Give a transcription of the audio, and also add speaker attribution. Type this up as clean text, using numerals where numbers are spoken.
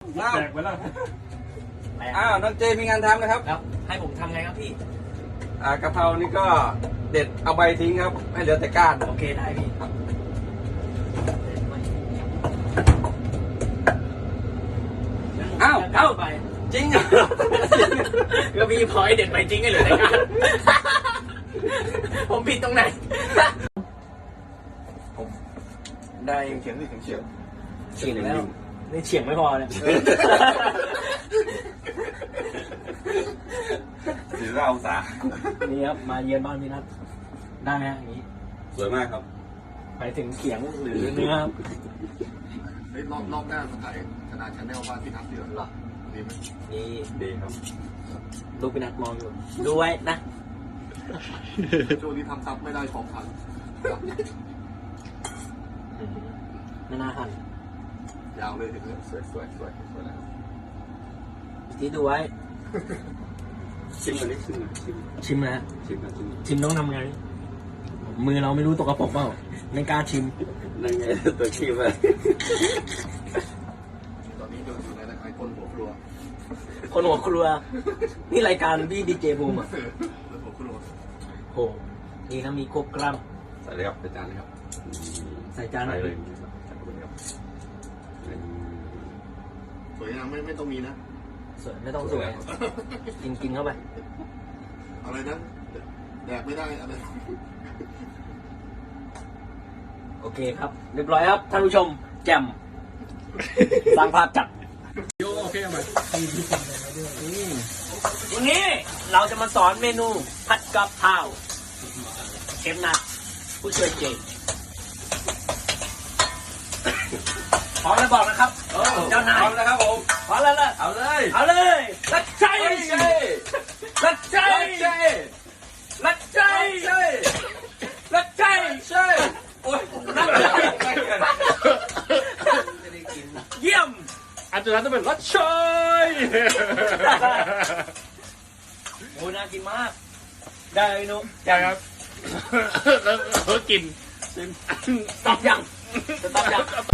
Speaker 1: แตกไปแล้วน้องเจมีงานทำนะครับ
Speaker 2: ครับให้ผมทำไงครับพี่
Speaker 1: กะเพรานี่ก็เด็ดเอาใบทิ้งครับให้เหลือแต่ก้าน
Speaker 2: โอเคได้พี่ไป
Speaker 1: จริงเหรอ
Speaker 2: ก็พี่พอยเด็ดไปจริงกันเลยในการผมผิดตรงไหน
Speaker 1: ได้เฉียงเฉียง
Speaker 2: เฉียงแล้วนี่เฉียงไม่พอเนี่ย
Speaker 1: ถือเราสา
Speaker 2: นี่ครับมาเยือนบ้านพี่นัทได้ไหมอย่างนี้
Speaker 1: สวยมากครับ
Speaker 2: ไปถึงเขียงหรือเนื้อครับ
Speaker 3: รอบหน้ามาถ่ายขนาดชั้นแนวบ้านพี่นัทเดือดหรอดีไหม
Speaker 2: นี่
Speaker 1: ดีครับ
Speaker 2: ลูกพี่นัทมองอยู่ดูไว้นะ
Speaker 3: ช่วงนี้ทำซับไม่ได้ของพัน
Speaker 2: นาหั่น
Speaker 3: ยาวเลยถึงเลย
Speaker 1: สวยแล้ว
Speaker 2: ที่ดูไว้
Speaker 1: ชิมอันนี้ชิม
Speaker 2: ชิมนะ
Speaker 1: ชิม
Speaker 2: ต้องทำไงมือเราไม่รู้ตกกระป๋องเปล่าไม่กล้าชิม
Speaker 1: นั่นไงตัวชิมเลย
Speaker 3: ตอนนี้อยู่ในรายการคนหัวครัว
Speaker 2: คนหัวครัว นี่รายการพี่ดีเจบูมอ่ะ
Speaker 3: หัวครัว
Speaker 2: โหนี่นะมีครบกรัม
Speaker 1: ใส่เลยครับใส่จานเลยครับ
Speaker 2: ใส่จาน
Speaker 1: ใส่
Speaker 2: เล
Speaker 1: เลย ยใส่เลยครับ
Speaker 3: สวยงามไม่ต้องมีนะ
Speaker 2: สวยไม่ต้องสวยกินเข้าไป
Speaker 3: อะไรนะแดกไม่ได้อะไร
Speaker 2: โอเคครับ เรียบร้อยครับท่านผู้ชมแจ่มสร้างภาพจัด
Speaker 1: โอเคไหม
Speaker 2: วันนี้เราจะมาสอนเมนูผัดกะเพราเชฟนัทผู้ช่วยเจงพร้อมแล้วบอกนะครับเจ้านาย
Speaker 1: เอาแล้วครับผม
Speaker 2: พร้อมแล้วล่ะ
Speaker 1: เอาเลย
Speaker 2: เอาเลยรัดใจรัดใจรัดใจรัดใจ
Speaker 1: ใช่โอ้ย
Speaker 2: รัดใจเยี่ยม
Speaker 4: อาจารย์ต้องเป็นรัชชอย
Speaker 2: โอ้น่ากินมาก ได้เลยนุ๊ก
Speaker 4: ใช่ครับแล้วเขากิน
Speaker 2: ตอบยังตอบยัง
Speaker 4: ต